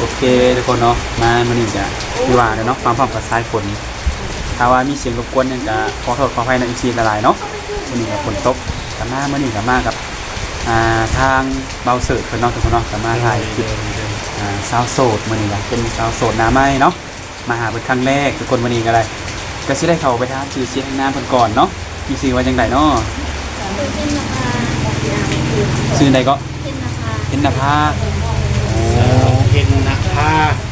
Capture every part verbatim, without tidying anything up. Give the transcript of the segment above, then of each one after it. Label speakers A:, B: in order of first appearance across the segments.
A: เคทุกคนเนาะมามื้อนี้จะคือว่าเนาะความพร้อมกับสายฝนถ้าว่ามีเสียงรบกวนหยังก็ขอโทษขออภัยใน อี ซี หลายๆเนาะมื้อนี้ก็ฝนตกก็มามื้อนี้ก็มากับอ่าทางเบาเสิร์ฟเพิ่นเนาะทุกคนเนาะก็มาถ่ายคลิปอ่าสาวโสดมื้อนี้ก็เป็นสาวโสดหน้าใหม่เนาะมาหาเพิ่นครั้งแรกทุกคนมื้อนี้ก็ได้ก็สิได้เข้าไปถามชื่อเสียงนามเพิ่นก่อนเนาะมีชื่อว่าจังไดเนาะชื่อใดก็เพ็ญนภาโอ้
B: เพ็ญนภา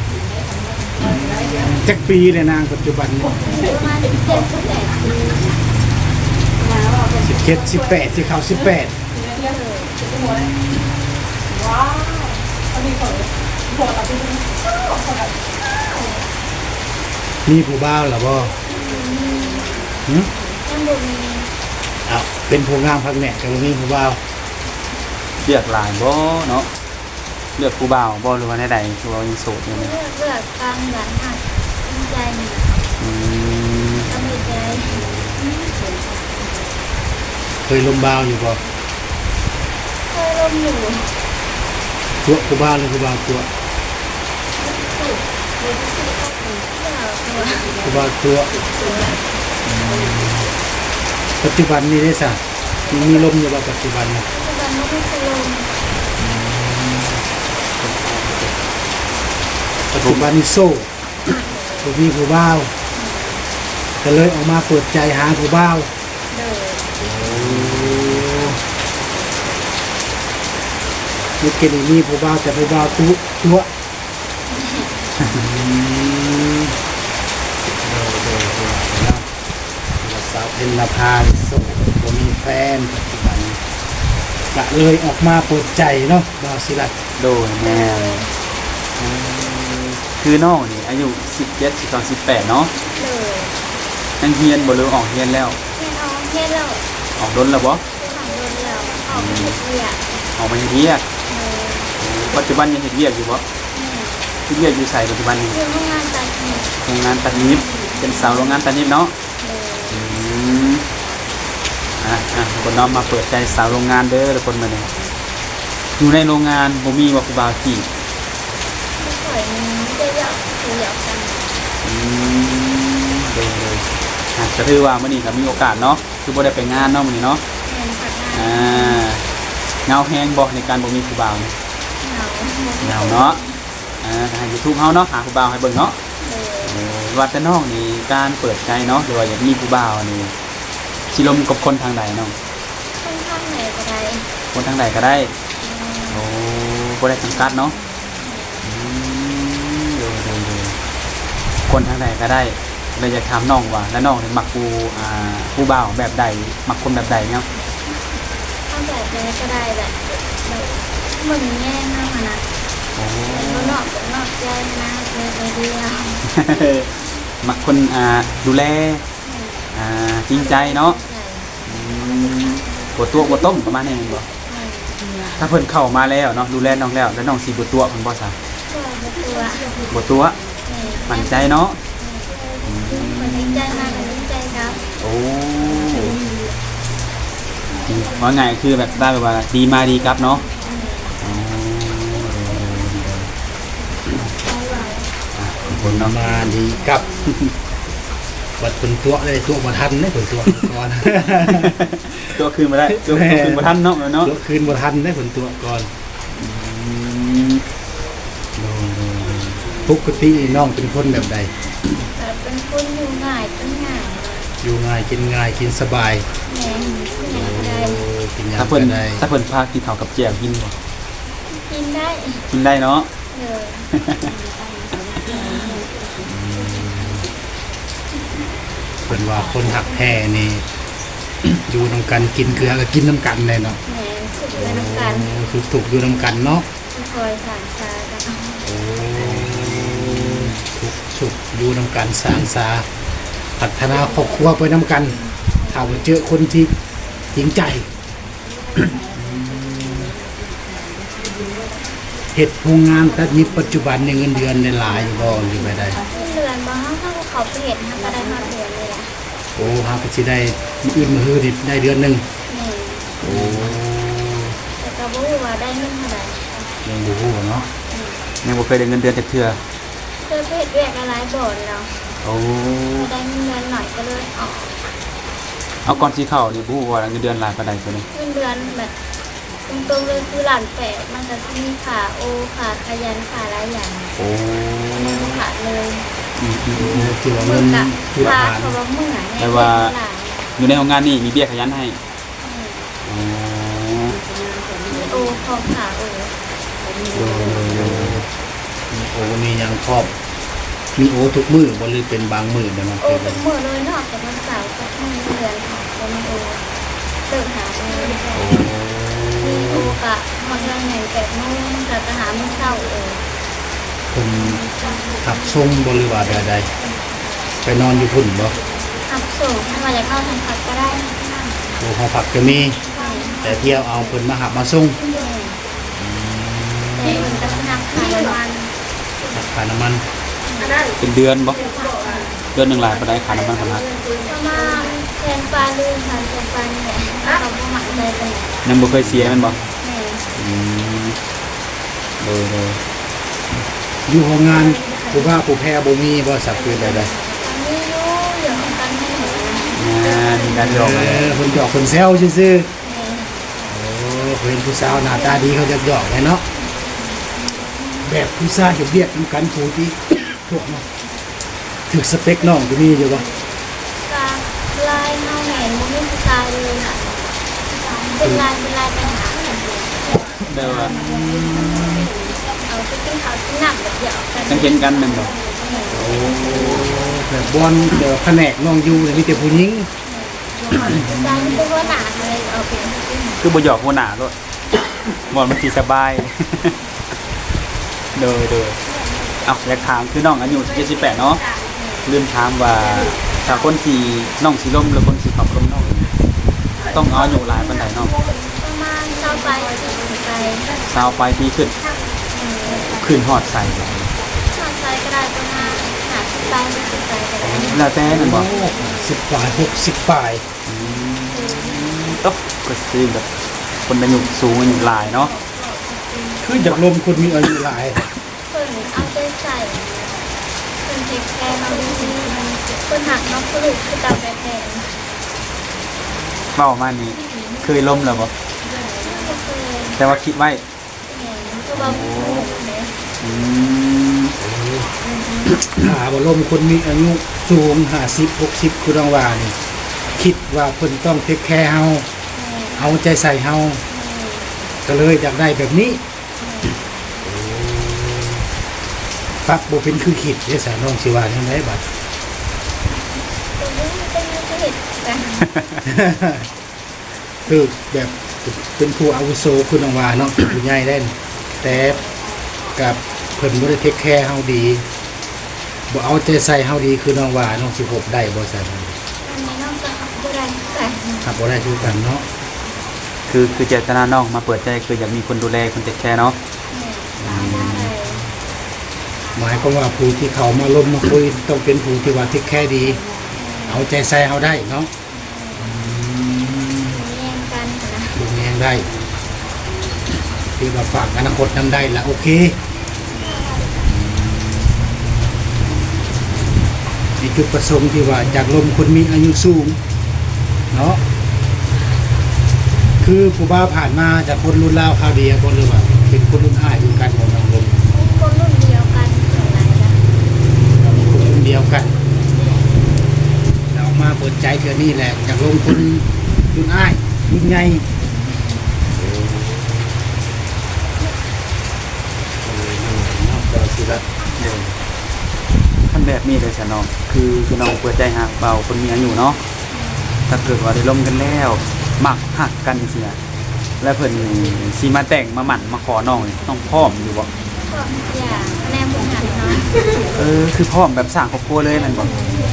B: จักปีเลยนางปัจจุบันเนี่ยสิบเจ็ดสิบแปดสิเขาสิบแปดมีผู้บ่าวหรือบ่หืมเอาเป็นผู้งามพักเนี่ยแต่ว่ามีผู้บ่าว
A: เลือกหลายบ่เนาะเลือกผู้บ่าวบ่หรือว่าใดๆคือว่ายังโสดอยู่เนี่ย
C: เลือกเลือกกลางหลังหักตั้งใจหนึ่ง
A: อืม
C: ตั้งใจ
B: เคยลมบ่าวอยู่บ่
C: เคยลมอยู่
B: ตัวผู้บ่าวหรือผู้บ่าวตัว
C: สุดเลยที่สุดก็คือเพื่อตัว
B: ผู้บ่าวตัวปัจจุบันนี้ได้สักมีลมอยู่บ่ปัจจุบันเนี่ย
C: ปัจจุบันไม่ได้เคยลม
B: ปัจจุบันนี้โซ่ผู้มีผู้บ่าวก็เลยออกมาเปิดใจหาผู้บ่าว
C: เดิน
B: มีเกณฑ์มีผู้บ่าวแต่ผู้บ่าวตัวตัวสาวเพ็ญนภาโซ่บ่มีแฟนปัจจุบันก็เลยออกมาเปิดใจเนาะบ่าวศิลัด
A: โดนแม่อืมคือน้องนี่อายุสิบเจ็ด สิบสอง สิบแปดเนาะ
C: เดิน
A: ยังเรียนบ่หรือออกเรียนแล้ว
C: เพื่อนน้องเพื่อนเรา
A: ออกดนแล้วบ่
C: เพื่อนหลังโดนเราออกไปเรียก
A: ออกมาเฮ็ดเวียก
C: เดิน
A: ปัจจุบันยังเฮ็ดเวียกอยู่บ่เฮ็ดเวียกอยู่ไสปัจจุบันนี้
C: เรื่องงานตัดหนึ่ง
A: โรงงานตัดนิบเป็นสาวโรงงานตัดนิบเนาะ
C: เดิน
A: อืมอ่ะอ่ะทุกคนเนาะมาเปิดใจสาวโรงงานเด้อทุกคนมาเนี่ยอยู่ในโรงงานบ่มีว่าครูบาจีบ
C: ไม่ค่อยมีจะอยากคุยกัน
A: อืมเด้อๆอ่ะก็ถือว่ามื้อนี้ก็มีโอกาสเนาะคือบ่ได้ไปงานเนาะมื้อนี้เนาะ
C: เงินผักงาน
A: อ่าเงาแฮงบ่ในการบ่มีครูบาเนี่ย
C: เหงา
A: เงาเนาะอ่าทาง YouTube เฮาเนาะหาครูบาให้เบิ่งเนาะ
C: เดิน
A: เออว่าแต่น้องนี่การเปิดใจเนาะหรือว่าอยากมีครูบานี่สิลมกับคนทางใดเนาะ
C: ค่อนข้างเหนื่อยกระไร
A: คนทางใดก็ได้โอ้บ่ได้จำกัดเนาะอืมเดี๋ยวๆๆคนทางใดก็ได้เลยอยากถามน้องว่าแล้วน้องนี่มักผู้อ่าผู้บ่าวแบบใดมักคนแบบใดเนาะ
C: ถ้าแบบนี้ก็ได้แบบแบบเหมือนแง่มากนะ
A: โอ้
C: แต่นอกนอกใจนะเลยไปเดียว
A: มักคนอ่าดูแลอ่าจริงใจเนาะอืมบตัวบต้มประมาณนี้แม่นบ่ถ้าเพิ่นเข้ามาแล้วเนาะดูแลน้องแล้วแล้วน้องสิบ่ตัวเพิ่นบ่ซะ
C: ตัวตัว
A: บ่ตัวมั่นใจเนาะ
C: คนดีใจมากคนดีใจครับ
A: โอ้ว่าไงคือแบบได้แบบว่าดีมาดีครับเนาะอ๋ออ่ะคน
B: ป
A: เนาะ
B: ระมาณนี้กับบัดเป็นตัวเลยตัวบ่ทันได้ผลตัวก่อน
A: ตัวคืนมาได้ตัวคืนมาทันเนาะเนาะ
B: ตัวคืนบ่ทันได้ผลตัวก่อน
A: อืม
B: ปกติน้องเป็นคนแบบใด
C: แต่เป็นคนอยู่ง่ายเป็นง่าย
B: อยู่ง่ายกินง่ายกินสบาย
C: แม่กินอะไร
B: กินหยัง
A: ถ้าเพิ่น
B: ก็ได้
A: ถ้าเพิ่นพากินข้าวกับแจ่วกินบ่
C: กินได้
A: กินได้เนาะ
C: เลย
B: เพิ่นว่าคนหักแท้นี่ อยู่นํกันกินเกลือก็กินน้ำกันเลยเนาะ
C: แม่สุดเลยน้ำกัน
B: คือถูกอยู่นํกันเนาะ
C: คอยสานชากัน
B: โอ้ทุกสุขอยู่นํกันสร้างสาพัฒนาครอบครัวไปนํกันถ้าว่าเจอคนที่จริงใจ เฮ็ดโรงงานตัดนิบปัจจุบันในเงินเดือนในหลายอยู่บ่อยู่ไปได้
C: เดือนบ้างถ้าเขาเปลี่ยนทำก็ได้มาเดือนเลยแหละ
B: โอ้หาก็สิได้มื้ออื่นมื้อฮื้อนี่ได้เดือนหนึง
C: แม่
B: โอ้
C: แต่ก็บอกว่าได้เงินเท่าไหร่
B: ยังบ่ฮู้เนาะ
C: แ
A: ยังบ่เคยได้เงินเดือนจากเทื่อ
C: เคยไปเฮ็ดเวียกอะไรบ่อนแล้ว
A: โอ้
C: ได้เงินเดือนหน่อยก็เลยออก
A: เอาก่อนสิเข้านี่บ่ฮู้ว่าเงินเดือนหลายปานใดตัวนี้
C: เงินเดือนแบบตรงๆเลยคือหลานแปดมันจะมีขาโอขาขยันขาหลายอย่าง
A: โอ้
C: มันบ่ขาดเลย
A: อืมอืมอืม
B: ที่ว่า
C: มื
B: เงิ
C: อน กะ
B: ที่ว่า
C: ขา
B: ผ่าน
C: เขาว่าเมื่อย
A: แต่ว่า
C: หลาย
A: อยู่ในโรงงานนี่มีเบี้ยขยันให้อ๋อ
C: มีโอของขาโอ
B: โอ้โอ้มียังครอบมีโอทุกมือบ่หรือเป็นบางมือเด้อน้อง
C: โอ
B: เคย
C: เป็นมือเลยเนอกจากวันเสาร์ก็เงินเดือนค่ะก็มีโอเติมหาเงินมีโอกะมาเงินใหญ่แปดโมงจะจะหาเมื่อเช้าเออ
B: เพิ่นขับส่งบ่หรือว่าใดๆไปนอนอยู่พุ่นบ่
C: ขับส่งถ้ามาจากนอกทางพักก็ได้
B: โอ้หอพักก็มี แต่เที่ยวเอาเพิ่นมาหับมาส่ง
C: แต่มันจะนับขายวัน
B: หักค่าน้ำมัน
A: เป็นเดือนบ่เดือนหนึงหลายปานใดค่าน้ำมันพันหัก
C: ประมาณแทนปลาลืมค่ะแทนปลาเนี่ยเขาก็หมั่นใจกัน
A: ยังบ่เคยเสียแม่นบ่
C: แม่
A: อืมโดยโดย
B: อยู่โรงงานผู้ว่าผู้แพ้บ่มีบ่สักคือใดๆ
C: ตอนนี้รู้เรื่องของการให้หนูนะ
A: งานมีการหยอก
B: เอ
A: กัน
B: อเพิ่นหยอกเพิ่นแซวซื่อ
C: แม่
B: ๆโอ้เพิ่นผู้สาวหน้าตาดีเขาจะหยอกไงเนาะแบบผู้ชายเฮ็ดเวียกนำกันผู้ที่ พวกเนาะถึกสเปคน้องก็มีอยู่บ่
C: กาลายเน่าแหนมันไม่มีตายเลยค่ะเป็นลายเป็นลายปัญหา
A: เด้อว่า
C: เอาไปกินข้าวที่หนักแบบเดียวกัน
A: จังเห็นกันแม่นบ่
B: โอ้แบบบอนเดี๋ยวแผนกน้องอยู่เนี่ยมีแต่ผู้หญิง
C: จานเป็นว่าหนาเลยเอาไปกิน
A: คือบ่หยอกหัวหน้าโลดบ่มันสิสบาย โดยโดยเอ้าอยากถามคือน้องอายุเจ็ดสิบแปดเนาะลืมถามว่าถ้าคนที่น้องสิล้มหรือคนสิขับล้มน้องต้องเอาอายุหลายปานใดเนาะ
C: ประมาณเช้าไปสี่ไป
A: สาวไปปีขึ้นขึ้นฮอดใส่
C: นอนใจก็ได้ประมาณหาสิบไปไม่สิบไปก็ได้
A: แล้วแต่นั่นบ่
B: สิบปลายหกสิบปลาย
A: อืมต๊บก็สิแบบคนอายุสูงอายุหลายเนาะ
B: คืออยากลมคนมีอายุหลาย
C: เพิ่นเอาใจใส่เพิ่นเทคแคร์เราดีๆเพิ่นหักน้องผู้ลูกคือตามแบบแทน
A: เว้ามานี่เคยล้มแล้วบ่
C: ก็เคย
A: แต่ว่าคิดไว้
C: เห็นก็บอกผู้ลูกเนี่ย
A: อืม
B: หาบ่ลมคนมีอายุสูงห้าสิบหกสิบคือรางว่านี่คิดว่าเพิ่นต้องเทคแคร์เฮาเอาใจใส่เฮาก็เลยอยากได้แบบนี้ปรับบ่เป็นคือคิดเด้อสาน้องสิว่าจังไดบัด
C: ตรงนี้เป็นเหตุกัน
B: คือแบบเป็นผู้อาวุโสคือน้องว่าเนาะ ผู้ใหญ่ได้นแต่กับเพิ่นบ่ได้เทคแคร์เฮาดีบ่เอาใจใส่เฮาดีคือน้องว่าน้องสิพบได้บ่ซั่น
C: อันนี้น้องจะขับผู้ใดแต่
B: ครับบ่ได้คือกันเนาะ
A: คือคือเจตนาน้องมาเปิดใจคืออยากมีคนดูแลคนเทคแคร์เนาะ
B: หมายความว่าผู้ที่เขามาล้มมาคุยต้องเป็นผู้ที่ว่าเทคแคร์ดี เอาใจใส่เฮาได้เนาะ
C: แย่งกันนะ
B: ดูแยงได้ที่ว่าฝากอนาคตนำได้ละโอเคนี่จุดประสงค์ที่ว่าจากลมคนมีอายุสูงเนาะคือผู้บ้าผ่านมาจากคนรุ่นราวคราวเดียวคนหรือว่าเป็นคนรุ่นอ้ายรุ่นกันของน้องลม
C: คนรุ่นเดียวกันอย่างไรนะ
B: คนรุ่นเดียวกันเรามาเปิดใจเทื่อนี้แหละจากลมคนรุ่นอ้ายรุ่นใหญ่เนาะก็สิละ
A: ขั้นแบบนี้เลยฉันน้องคือคือน้องเปิดใจหาเบาคนมีอายุเนาะถ้าเกิดว่าได้ล้มกันแล้วมักหักกันเสียแล้วเพิ่นสิมาแต่งมาหมั่นมาขอน้องนี่ต้องพร้อมอยู่บ่
C: ก็อย่างแนมบุญหันเนาะ
A: เออคือพร้อมแบบสร้างครอบครัวเลยแม่นบ่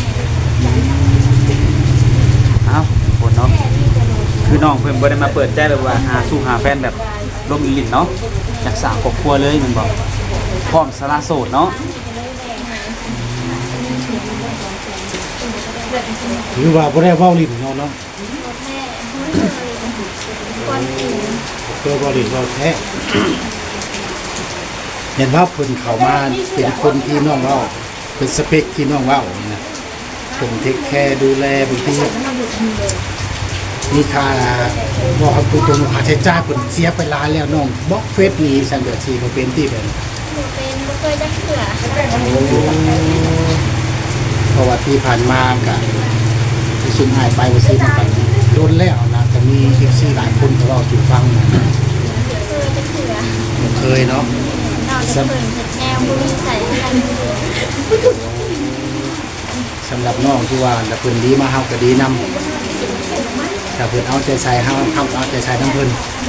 A: อ้าวคนเนาะคือน้องเพิ่นบ่ได้มาเปิดใจแบบว่าหาสู่หาแฟนแบบล้มอีหลินเนาะอยากสร้างครอบครัวเลยแม่นบ่พร้อมสละโสดเนาะ
B: หรือว่าบ่ได้เว้าลิ้นเนาะเนาะ
C: แม่คนอื่น
B: เพื่อเว้าลิ้นเว้าแท้เห็นว่าเพิ่นเข้ามาเป็นคนที่น้องเว้าเป็นสเปคที่น้องเว้านะเพิ่นเทคแคร์ดูแลบางทีมีค่าบ่ครับตรงๆค่าใช้จ่ายเพิ่นเสียไปหลายแล้วน้องบล็อกเฟซนี้ซั่นเด้อสิบ่เป็นที่เพิ่น
C: หนูเป็นบ่เคยจักเถื่อ
B: เพราะว่าที่ผ่านมาก็ที่ซุ่มหายไปว่าสิมันก็โดนแล้วนะก็มี เอฟ ซี หลายคนก็เว้าสู่ฟังนะ
C: เคยจักเถื่อ
B: บ่เคยเนาะ
C: นอกจากเพิ่นเฮ็ดแนวบ่มีใส่กัน
B: สำหรับน้องที่ว่าแล้วเพิ่นดีมาเฮาก็ดีนำถ้าเพิ่นเอาใจใส่เฮาเฮาก็เอาใจใส่นำเพิ่น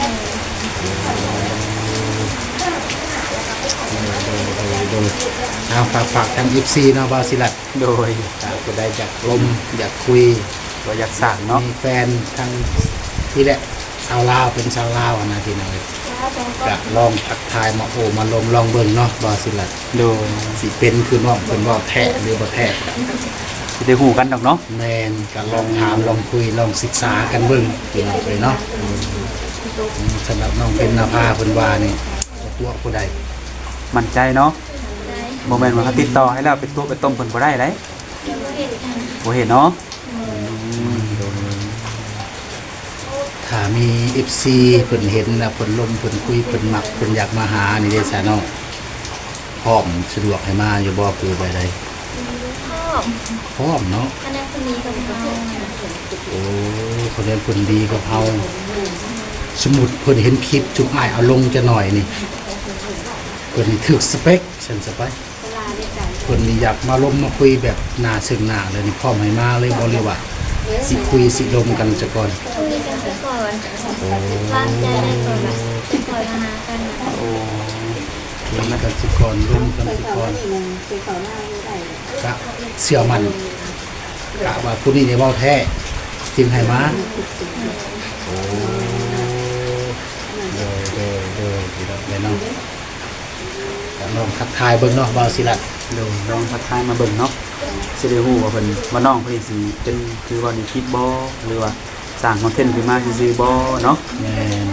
B: เอาฝากฝากทาง เอฟ ซี เนาะบ่าวศิลัด
A: โดย
B: ถ้าผู้ใดอยากลมอยากคุย
A: บ่อยากสร้างเนาะ
B: มีแฟนทางที่แหละชาวลาวเป็นชาวลาวอะนะพี่น้องเอ้ยก็ลองทักทายมาโอ้มาลมลองเบิ่งเนาะบ่าวศิลัด
A: โดย
B: สิเป็นคือน้องเพิ่นเว้าแท้หรือบ่แท้
A: สิได้ฮู้กันดอกเนาะ
B: แม่นก็ลองถามลองคุยลองศึกษากันเบิ่งพี่น้องเอ้ยเนาะอืมสำหรับน้องเป็นนภาเพิ่นว่านี่บ่ตัวผู้ใด
A: มั่นใจเนาะ
C: ได้
A: บ่แม่นว่าเขาติดต่อให้แล้วไปตัวไปต้มเพิ่นบ่ได้เด้
C: บ่เฮ็ดกัน
A: บ่เห็นเนาะ
B: ถ้ามี เอฟ ซี เพิ่นเห็นแล้วเพิ่นลมเพิ่นคุยเพิ่นมักเพิ่นอยากมาหานี่เด้ซะเนาะพร้อมสะดวกให้มาอยู่บ่คือไปใด
C: ชอบ
B: พร้อมเนาะ
C: คณะคนนี้กับเขา
B: โอ้คนนี้เพิ่นดีกับเฮาสมมุติเพิ่นเห็นคลิปจุกอ้ายเอาลงจะหน่อยนี่เพิ่นนี่ถึกสเปคฉันสไปเพิ่นนี่อยากมาลมมาคุยแบบหน้าซึ่งหน้าเลยนี่พร้อมให้มาเลยบ่เลยว่าสิคุยสิลมกันซะก่อน
C: คุยกันซะก่อนวางใจได้ก่อนว่าจะคอยมาหากันนะ
A: โอ้
B: คุยกันสิก่อนลมกันสิก่อนก็เชื่อมันกะว่าผู้นี้ได้เว้าแท้จึงให้มาโอ้เด้อเด้อเด้อพี่น้องเนาะก็ลองทักทายเบิ่งเนาะบ่าวศิลัด
A: โดยลองทักทายมาเบิ่งเนาะสิได้ฮู้ว่าเพิ่นว่าน้องเพิ่นสิเป็นคือว่านี่คิดบ่หรือว่าสร้างคอนเทนต์ขึ้นมาซื่อๆบ่เนาะ
B: แม่น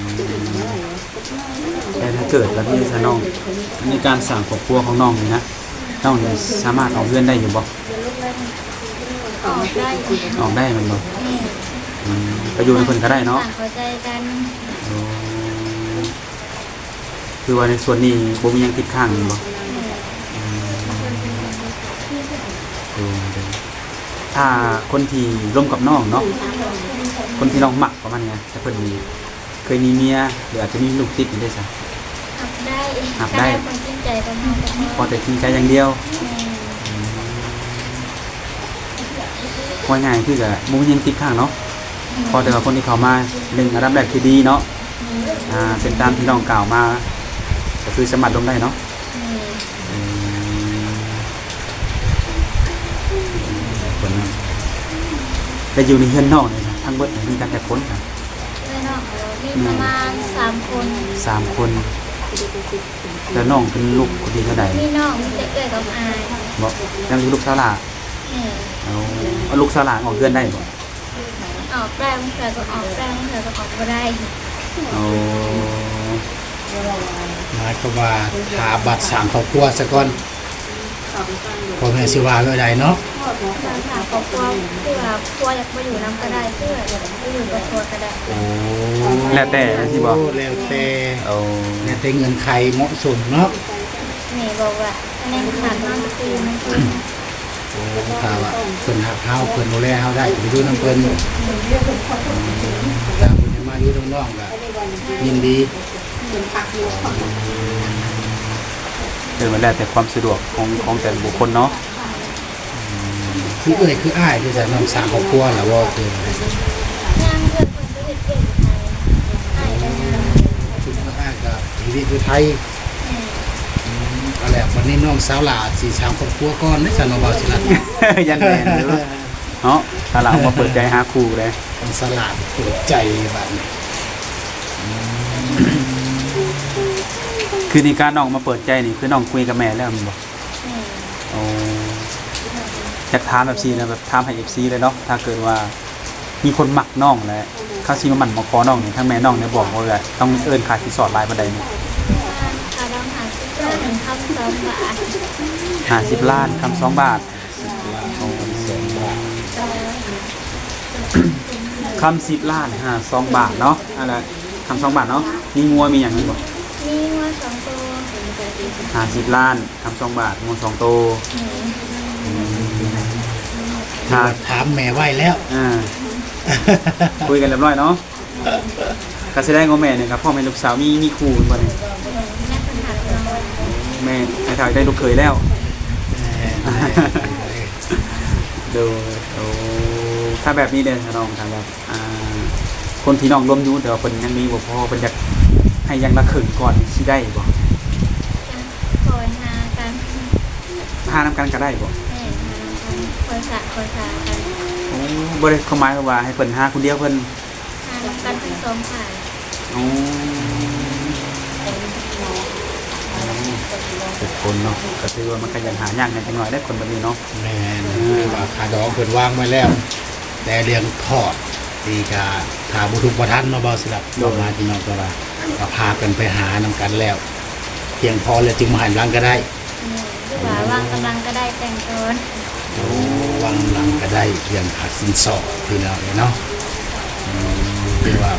A: แต่ถ้าเกิดแล้วที่ซะน้องในการสร้างครอบครัวของน้องนี่นะน้องนี่สามารถออกเรือนได้อยู่บ่
C: ออกได้
A: ออกได้แมันบ่
C: นี่
A: อืมไปอยู่ในเพิ่นก็ได้เนาะ
C: ต่างเข้าใจกัน
A: โอ้คือว่าในส่วนนี้บ่มีหยังติดข้างแม่นบ่โอ้เด้อถ้าคนที่ร่วมกับน้องเนาะคนที่น้องมักประมาณนี้แต่เพิ่นมีเคยมีเมียหรืออาจจะมีลูกติดอยู่ด้วยซ้
C: หับได้
A: หับได้
C: คคนจริงใจกับน้องกับน้อง
A: พอแต่จริงใจอย่างเดียวว่าง่ายคือกับมุ้งยังติดข้างเนาะพอแต่ว่าคนที่เขามาหนึ่งอันดับแรกคือดีเนาะอ่าเป็นตามที่น้องกล่าวมาก็คือสมัครลงได้เนาะอืมคนนั้นแต่อยู่ในเฮือนนอกเนี่ยนะทั้งเบิดมีกันแต่คนครับ
C: เลยน้องมีประมาณสามคน
A: สามคนแล้วน้องเป็นลูกคนดีเท่าไหร่
C: มีน้องมีแต่เอื้อยกับอาย
A: บอกยังมีลูกสาวหลา
C: นี่
A: เอาเอาลูกสาวหลาออกเฮือนได้บ่
C: ออกได้บางเถื่อก็ออกได้บางเถื่อก็ออกไม่ได้
A: เอา
B: หมายความว่าหาบัตรสร้างครอบครัวซะก่อนพ่อแม่สิว่าไว้ใดเนาะ
C: ทางสาวครอบครัวที่ว่าครัวอยากมาอยู่น้ำก็ได้เพื่ออยากมาอยู่กับครัวก็ได้
B: โอ้
A: แล้วแต่นะที่บอก
B: แล้วแต่
A: เอา
B: แล้วแต่เงินใครเหมาะสมเนาะ
C: นี่บอกว่าคะแนนขาดน้องคือมันคือ
B: โอ้ถ้าว่าเพิ่นหักเฮาเพิ่นดูแลเฮาได้ไปอยู่นํเพิ่นถ้าเพิ่นจะมาอยู่น้องๆก็ยินดี
A: คือมันแล้วแต่ความสะดวกของของแต่ละบุคคลเนาะ
B: คือเอ้ยคืออ้ายที่จะน้องสร้างครอบครัวแล้วว่าคืออะไร
C: ย่างเพื่อนคนก็เห็ดเก่งไทยไอ้กันย่าง
B: คืออ้ายก็ชีวิตอยู่ไทย
C: นี่
B: ก็แล้ววันนี้น้องสาวหลาสิสร้างครอบครัวก่อนได้ซะน้องบ่าวสิลัด
A: ยันแมนเลยเนาะถ้าเราเอามาเปิดใจหาครูเลย
B: น้องสลาดเปิดใจบัดนี้
A: คือในการน้องมาเปิดใจนี่คือน้องคุยกับแม่แล้วมันบอก
C: นี่
A: โอ้อยากถามแบบซีนะแบบถามให้เอฟซีเลยเนาะถ้าเกิดว่ามีคนหมักน้องแล้วเข้าซีมาหมั่นมาขอน้องนี่ทั้งแม่น้องเนี่ยบอกว่าแบบต้องเอิ้นขาดที่สอดลายบันไดนี่
C: การขาดน้องหาที่โตสองบาท
A: ห้าสิบล้านคำสองบาท
B: เอาสองบาท
A: คำสิบล้านห้าสองบาทเนาะอะไรคำสองบาทเนาะมีงัวมีอย่างนั้นบ่
C: มีว่าสองตัว
A: ห้าสิบล้านคำสองบาทงัวสองโตว
B: ถ้าถามแม่ไว้แล้ว
A: อ่าคุยกันเรียบร้อยเนาะการแสดงของแม่เนี่ยครับพ่อแม่ลูกสาวมีมีครูบ่เนี่ย
C: นักปัญหาเรา
A: แม่ไอ้ถ่ายได้ลูกเคยแล้ว โดยโอ้ถ้าแบบนี้เด้อน้องทางแบบอ่าคนที่น้องร่วมอยู่แต่ว่าเพิ่นยังมีบ่พอเพิ่นอยากให้ยังละครึ่งก่อนสิได้บ่
C: คอยหากัน
A: พานำกันก็ได้บ่
C: แม่หากันคอยสะคอยสากัน
A: โอ้บ่ได้เข้าหมายว่าให้เพิ่นหาคนเดียวเพิ่น
C: หากันทั้งสองฝ่าย
A: โอ้ทุกคนเนาะก็ถือว่ามันก็ยังหายากในจังหน่อยได้คนแบบนี้เนาะ
B: แม่นคือว่าคาดองเพิ่นวางไว้แล้ว แต่เรื่องทอดดีกาถ้าบ่ทุกบ่ทันเนาะบ่สิรับบ่มาที่น้องก็ว่าก็พากันไปหานำกันแล้ว เพียงพอแล้วจึงมาหันหลังก็ได้
C: คือว่าวางกำลังก็ได้แต่งตอน
B: โอ้วางหลังก็ได้เพียงขาดสินสอดพี่น้องเนาะอืมคือว่า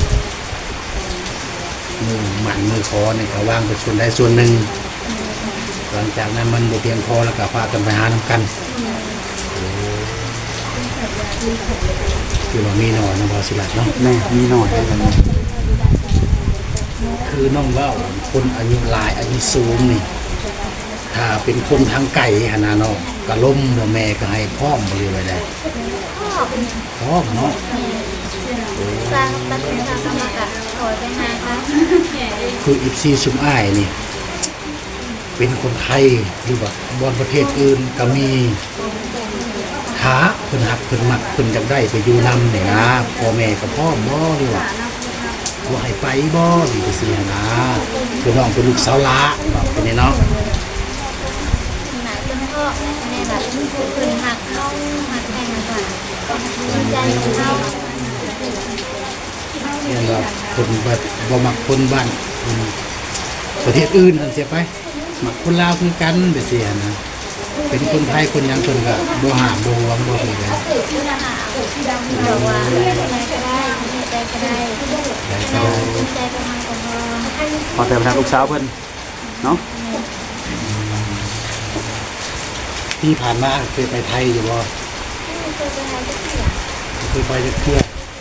B: มือหมันมือคอเนี่ยก็วางไปส่วนใดส่วนหนึ่งหลังจากนั้นมันบ่เพียงพอแล้วก็พากันไปหานำกันคือว่ามีหน่อยนะบอสิลัดเนาะ
A: แม่มีหน่อยได้กันเนาะ
B: คือน้องเว่าคนอายุหลายอายุสูงนี่ถ้าเป็นคนทางไก่หนนาเนาะกะล้มบ่แม่ก็ให้พร้อมบ่เลยไว้ได้
C: พ่อ
B: พร้อมเนาะ
C: สร้างตัดสินใจกรรมกะคอยไปหาค่ะ
B: คืออีซีซุมอ้ายนี่ เป็นคนไทยหรือว่าบอนประเทศอื่นก็มีท้าเพิ่นหักเพิ่นมักเพิ่นอยากได้ไปอยู่นำนี่นะพ่อแม่ก็พร้อมบ่หรือว่าบ่ให้ไปบ่หรือจังซี่หั้นนะคือน้องเป็นลูกสาวหลาบอกเป็นนี่เนาะ
C: หนาจนพ่อในแบบคืนหักเข้าหักแทงก่อนดีใจของเขา
B: เรียนว่าเพิ่นแบบบ่มักคนบ้านเพิ่นประเทศอื่นนั่นเสียไปมักคนลาวคือกันแบบซี่หั้นนะเป็นคนไทยคนหยังเพิ่นก็บ่ห้ามบ่หวงบ่คือกัน
C: บอกว่าอะไรก็ได้ดีใจก็ได้ดีใจประมาณกับพ่อ
A: พอแต่ไปทางลูกสาวเพิ่นเนาะ
B: ที่ผ่านมาเคยไปไทยอยู่บ่
C: ไม่เคยไปหาที่เสีย
B: เคยไปจักเทื่อง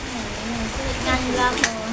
C: านอยู่ลาวก่อน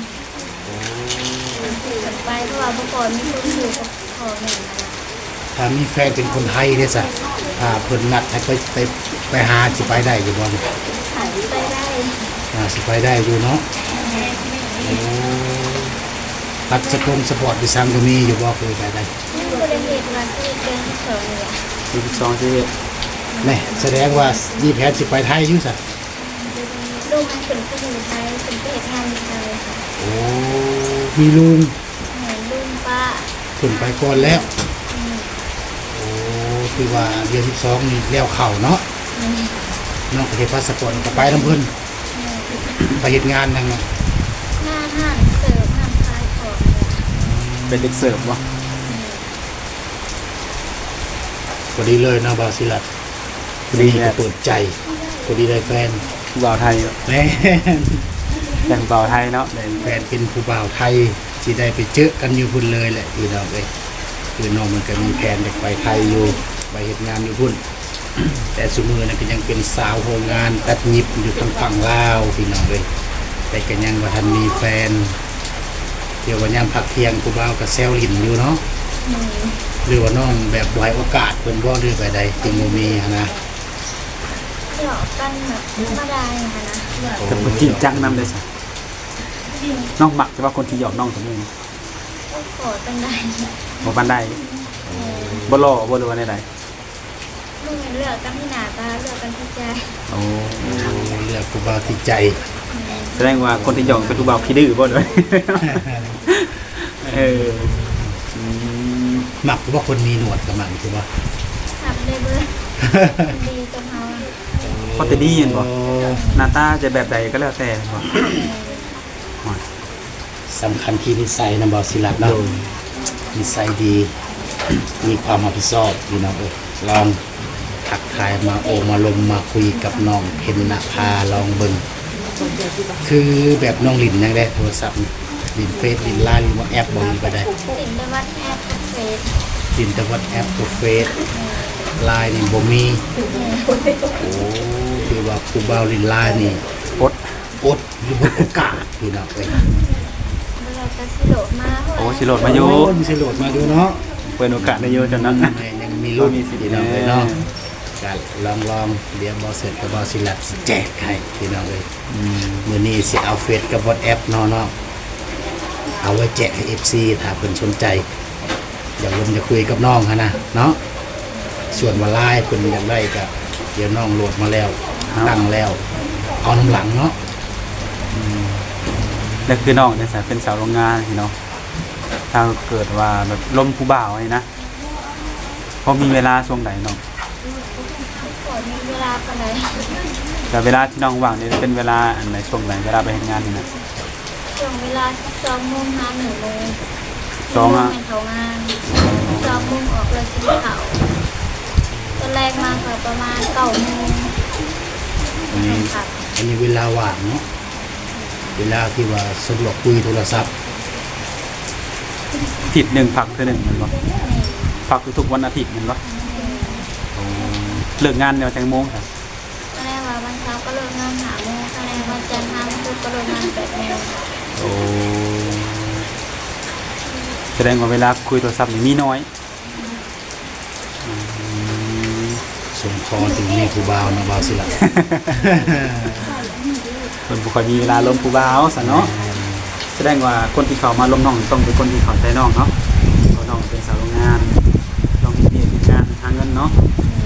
C: ไปเพราะว่าเมื่อก่อนมีคนอยู่กับพ่อแม่นะ
B: ถ้ามีแฟนเป็นคนไทยเด้ซะถ้าเพิ่นนัดให้ไปไปไปหาสิไปได้อยู่บ่
C: หาไปได้
B: อ่าสิไปได้อยู่เนาะโอ้พัดสปงสปอร์ตดิซังก็มีอยู่บ่เคยไปได้
C: นี่บริเวณวันที่เกินสองเลย
A: สี่สิบสองชีวิต
B: แม่แสดงว่ามีแผนสิไปไทยอยู่ซะ
C: ลูกมันเป็นผู้หญิงไทยเป็นผู้เอกงานไทยค่ะ
B: โอ้มีลุง
C: เหมือนลุงป้า
B: ขึ้นไปก่อนแล้วโอ้คือว่าเดือนสิบสองนี่แล้วเข้าเนาะน้องก็เฮ็ดพาสปอร์ตก็ไปนํเพิ่นไปเฮ็ดงานนั่นเนาะ
C: หน้าห้านเสิร์ฟห้านคลายของ
A: เป็นเด็กเสิร์ฟวะ
B: พอดีเลยเนาะบาสิลัดพอดีก็เปิดใจพอดีได้แฟน
A: ผู้บ่าวไทย
B: แม่
A: แต่งบ่าวไทยเนาะได้
B: แฟนเป็นผู้บ่าวไทยที่ได้ไปเจอกันอยู่พุ่นเลยแหละพี่น้องเอ้ยคือน้องมันก็มีแผนจะไปไทยอยู่ไปเฮ็ดงานอยู่พุ่น แต่สมือนั้นก็ยังเป็นสาวโรงงานตัดยิบอยู่ทางฝั่งลาวพี่น้องเอ้ยแต่ก็ยังว่าทันมีแฟนเดี๋ยววันยามพักเที่ยงผู้บ่าวก็แซวลิ้นอยู่เนาะหรือว่าน้องแบบบ่ให้โอกาสเพิ่นบ่หรือไปใดจึงบ่มีหั้นนะ
C: หยอกกันแบบธรรมดาอย่างนั้นนะ
A: แต่เพิ่นจริงจังนำเลยสิน้องหมักแต่ว่าคนที่หยอกน้องสมมุติ
C: ก็ขอเป็นได้
A: บ่ปานใดบ่หล่อบ่หรือว่าใด
C: ลูกเลือกกันที่หน้าตาเลือกกันที่ใจ
A: ๆโอ้
B: เลือกผู้บ่าวที่ใจ
A: แสดงว่าคนที่หยอกเป็นผู้บ่าวขี้ดื้อบ่ด้วย เอออืม
B: มักว่าคนมีหนวดกับมันคือว่า
C: ทำได้เบิร์ดีกับเขา
A: พอแต่ดีเห็นบ่หน้าตาจะแบบใดก็แล้วแต่บ่
B: สำคัญที่นิสัยนะบอสิลัดเนาะนิสัยดีมีความรับผิดชอบพี่น้องเอ้ยลองทักทายมาโอมาลมมาคุยกับน้องเพ็ญนภาลองเบิ่งคือแบบน้องลินยังได้โทรศัพท์นี่ลินเฟซลินไลน์ลินว่าแอปบ่มีก็ได้
C: ติดในวัดแอปเฟซ
B: ลินแต่ว่าแอปตัวเฟซไลน์นี่บ่มีโอ้คือว่าผู้บ่าวลินไลน์นี่
A: อด
B: อดอยู่บนโอกาสพี่น้องเอ้ย
C: เราจะสิโดดมา
A: โอ้สิโหลดมาอยู่
B: โอ้มีสิโหลดมาดูเนาะ
A: เปิดโอกาสได้เยอะจังนั้น
B: แม่ยังมีรุ่นพี่น้องเลยเนาะก็ลองลองเรียนบอเสร็จกับบอสิลัดสิแจกให้พี่น้องเลย
A: อืม
B: มือนี้สิเอาเฟซกับวอทแอปเนาะเนาะเอาไว้แจกให้เอฟซีถ้าเพิ่นสนใจอยากลงจะคุยกับน้องฮะนะเนาะส่วนว่าไลน์เพิ่นอยากได้ก็เดี๋ยวน้องโหลดมาแล้วตั้งแล้ว เอาน้ำหลังเนาะ
A: แล้วคือน้องเนี่ยสายเป็นสาวโรงงานพี่เนาะถ้าเกิดว่าแบบลมผู้บ่าวนี่นะพอมีเวลาช่วงไหนน้อง
C: ก่อนมีเวลาปานใด
A: แต่เวลาที่น้องว่างนี่เป็นเวลาอันไหนช่วงไหนเวลาไปทำงานนี่นะ
C: ช่วงเวลาสองโมงหาหนึ่งโมง
A: สองอะ
C: เป็นเขางานสองโมงออกเลยกินข้าวตอนแรกมาก็ประมาณเก้าโมง
B: อันนี้
C: ค่ะ
B: อันนี้เวลาว่างเนาะเวลาที่ว่าสะดวกคุยโทรศัพท์
A: อาทิตย์หนึ่งพักเท่าหนึ่งแมันบ่พักทุกๆวันอาทิตย์แมันบ่เลิกงานเดี๋ยวจังโมงครับ
C: ตอนแรกว่าวันเช้าก็เลิกงานหาโมงตอนแรกวันจันทร์ห้าโมงก็เลิกงานแปดโมง
A: โอ้แสดงว่าเวลาคุยโทรศัพท์นี่มีน้อยอืม
B: สมคอถึงแม่ครูบาวนะบาวสิละ
A: ส่วนบุคคลมีเวลาลมผู้บ่าวซะเนาะแสดงว่าคนที่เขามาลมน้องต้องเป็นคนที่เขาใจน้องเนาะเพราะน้องเป็นสาวโรงงานลองมีเมีงานหาเงินเนาะ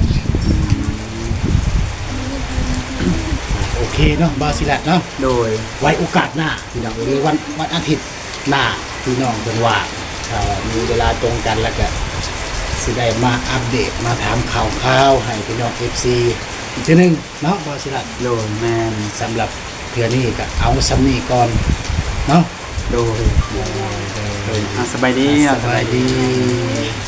B: โอเคเนาะบาวสิละเนาะ
A: โดย
B: ไว้โอกาสหน้าพี่น้องหรือวันวันอาทิตย์หน้าพี่น้องเป็นว่าถ้ามีเวลาตรงกันแล้วก็สิได้มาอัปเดตมาถามข่าวข่าวๆให้พี่น้อง เอฟ ซี อีกทีหนึงเนาะบาวสิละ
A: โดยแมน
B: สำหรับเพื่อนี้ก็เอาซ้ำนี้ก่อนเนาะ
A: โดยโดยอ่ะสบายดีอ่ะ
B: สบายดี